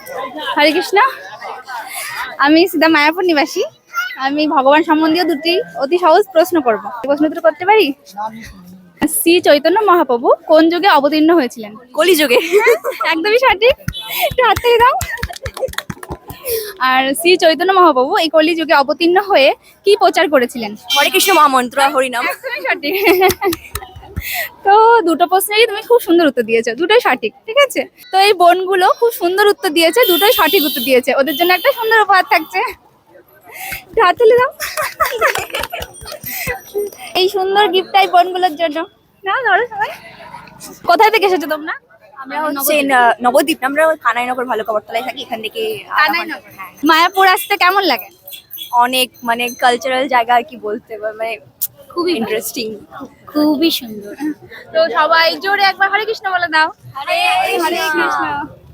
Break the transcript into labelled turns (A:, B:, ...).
A: হরে কৃষ্ণ। আমি সিধা মায়াপুর নিবাসী। আমি ভগবান সম্বন্ধীয় দুটি অতি সহজ প্রশ্ন করব। প্রশ্ন উত্তর করতে পারি? শ্রী চৈতন্য মহাপ্রভু কোন যুগে অবতীর্ণ হয়েছিলেন?
B: কলিযুগে।
A: একদমই সঠিক। একটু হাত থেকে দাও। আর শ্রী চৈতন্য মহাপ্রভু এই কলি যুগে অবতীর্ণ হয়ে কি প্রচার করেছিলেন?
B: হরে কৃষ্ণ মহামন্ত্র হরিনাম।
A: একদমই সঠিক। তো দুটো প্রশ্নেরই তুমি খুব সুন্দর উত্তর দিয়েছো, দুটোই সঠিক। ঠিক আছে, তো এই বোনগুলো খুব সুন্দর উত্তর দিয়েছে, দুটোই সঠিক উত্তর দিয়েছে। ওদের জন্য একটা সুন্দর উপহার থাকছে। একটু হাত তুলে দাও। এই সুন্দর গিফটটাই বোনগুলোর জন্য। না ধরো সবাই। কোথায় থেকে এসেছো তোমরা?
B: আমরা হচ্ছে নবদ্বীপ, আমরা কানাইনগর ভালো কবরতলায় থাকি, এখান থেকে
A: কানাইনগর। মায়াপুর আসতে কেমন লাগে?
B: অনেক মানে কালচারাল জায়গা আর কি বলতে মানে খুবই ইন্টারেস্টিং,
A: খুবই সুন্দর। তো সবাই জোরে একবার হরে কৃষ্ণ বলে দাও।
B: হরে
A: হরে কৃষ্ণ।